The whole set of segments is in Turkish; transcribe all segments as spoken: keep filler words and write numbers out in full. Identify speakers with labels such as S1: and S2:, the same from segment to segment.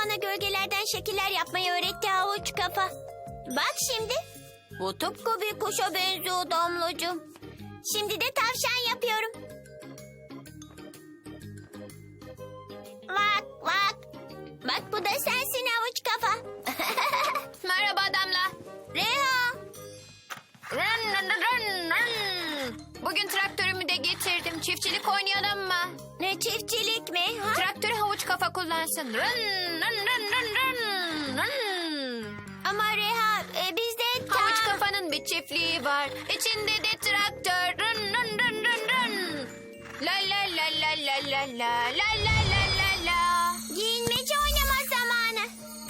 S1: bana gölgelerden şekiller yapmayı öğretti havuç kafa. Bak şimdi. Bu tıpkı bir kuşa benziyor Damlacığım. Şimdi de tavşan yapıyorum. Bak bak. Bak bu da sensin havuç kafa.
S2: Merhaba Damla.
S1: Reha.
S2: Run, run, run, run. Bugün traktörümü de getirdim. Çiftçilik oynayalım mı?
S1: Ne çiftçilik mi? Ha?
S2: Traktörü havuç kafa kullansın. Run, run, run, run, run, run.
S1: Ama Reha e, bizde tam...
S2: Havuç kafanın bir çiftliği var. İçinde de traktör. Run, run, run, run, run. La la la la la la la la la la la la.
S1: Giyinmece oynama zamanı.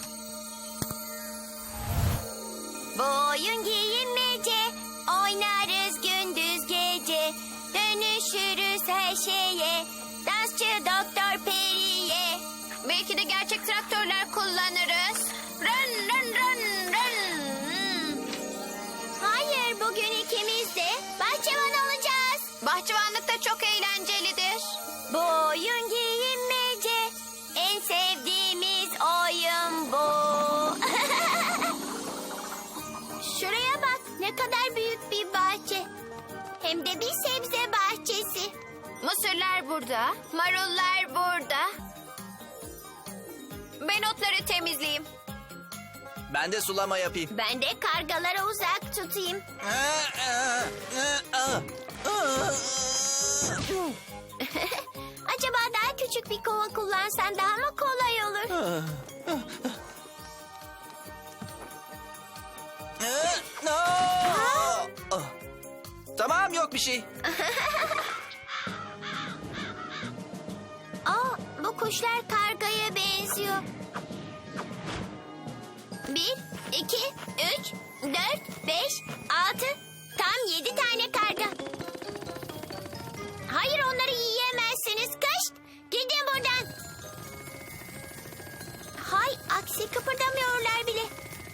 S1: Bu oyun giyinmece. Oynarız gündüz gece. Dönüşürüz her şeye. Dansçı Doktor Peri'ye.
S2: Belki de gerçek traktörler kullanırız. Run, run, run, run.
S1: Hayır, bugün ikimiz de bahçıvan olacağız.
S2: Bahçıvanlık da çok eğlencelidir.
S1: Bu oyun giyinmece. En sevdiğimiz oyun bu. Şuraya bak, ne kadar büyük bir bahçe. Hem de bir sebze bahçesi.
S2: Mısırlar burada, marullar burada. Ben otları temizleyeyim.
S3: Ben de sulama yapayım.
S1: Ben de kargalara uzak tutayım. Acaba daha küçük bir kova kullansan daha mı kolay olur?
S3: Tamam, yok bir şey.
S1: Aa, bu kuşlar kargaya benziyor. Bir, iki, üç, dört, beş, altı. Tam yedi tane karga. Hayır, onları yiyemezsiniz. Kış, gidin buradan. Hay aksi, kıpırdamıyorlar bile.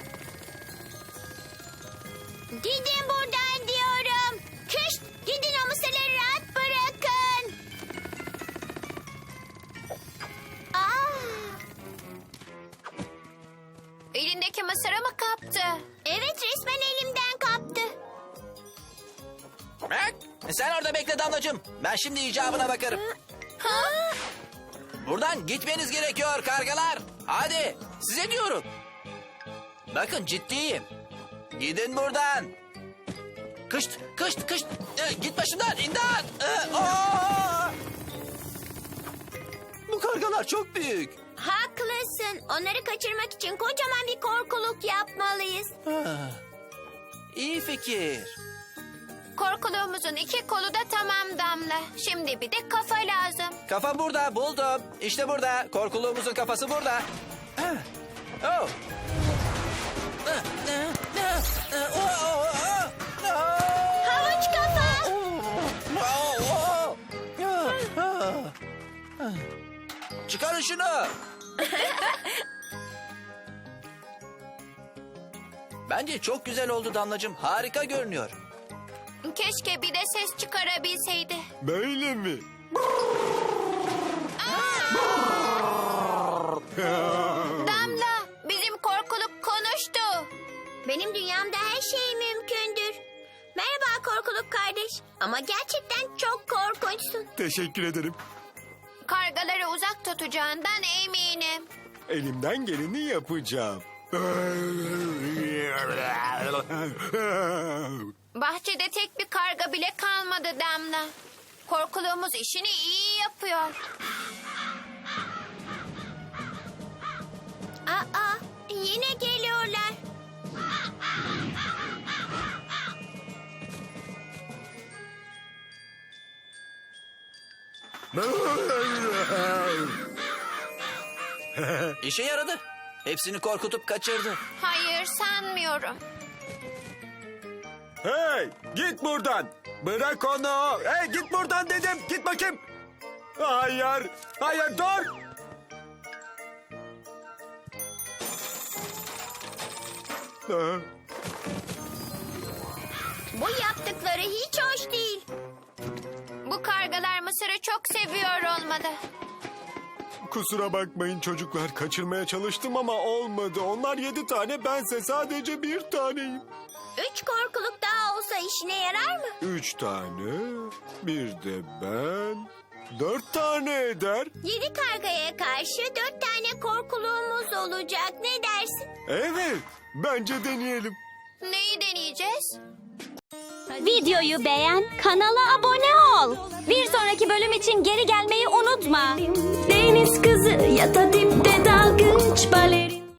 S1: Gidin buradan diyorum. Kış, gidin, o mısırları rahat bırakın. Aa.
S2: Elindeki mısırı mı kaptı?
S1: Evet, resmen elimden kaptı.
S3: Bak, sen orada bekle Damlacığım. Ben şimdi icabına bakarım.
S1: Ha?
S3: Buradan gitmeniz gerekiyor kargalar. Hadi, size diyorum. Bakın, ciddiyim. Gidin buradan. Kışt, kışt, kışt. Ee, git başımdan, imdat. Ee, aa! Bu kargalar çok büyük.
S1: Haklısın. Onları kaçırmak için kocaman bir korkuluk yapmalıyız.
S3: Ah, İyi fikir.
S2: Korkuluğumuzun iki kolu da tamam Damla. Şimdi bir de kafa lazım.
S3: Kafa burada, buldum. İşte burada. Korkuluğumuzun kafası burada. Ah, oh. Ah, ah, ah, ah, oh, oh, oh, oh.
S1: Havuç kafa.
S3: Oh, oh. Ah, ah, ah. Çıkarın şunu. Bence çok güzel oldu Damlacığım. Harika görünüyor.
S2: Keşke bir de ses çıkarabilseydi.
S4: Böyle mi?
S2: Damla, bizim korkuluk konuştu.
S1: Benim dünyamda her şey mümkündür. Merhaba korkuluk kardeş. Ama gerçekten çok korkunçsun.
S4: Teşekkür ederim.
S2: Kargaları uzak tutacağından eminim.
S4: Elimden geleni yapacağım.
S2: Bahçede tek bir karga bile kalmadı Damla. Korkuluğumuz işini iyi yapıyor.
S1: Aa, yine geliyorlar.
S3: İşe yaradı. Hepsini korkutup kaçırdı.
S2: Hayır, sanmıyorum.
S4: Hey, git buradan. Bırak onu. Hey, git buradan dedim. Git bakayım. Hayır, hayır dur. Ah,
S1: Bu yaptıkları hiç hoş değil.
S2: Bu kargalar mısırı çok seviyor olmalı.
S4: Kusura bakmayın çocuklar. Kaçırmaya çalıştım ama olmadı. Onlar yedi tane, bense sadece bir taneyim.
S1: Üç korkuluk daha olsa işine yarar mı?
S4: Üç tane, bir de ben. Dört tane eder.
S1: Yedi kargaya karşı dört tane korkuluğumuz olacak. Ne dersin?
S4: Evet, bence deneyelim.
S2: Neyi deneyeceğiz?
S5: Videoyu beğen, kanala abone ol. Bir sonraki bölüm için geri gelmeyi unutma.
S6: Deniz kızı ya da dipte dalgıç baleri.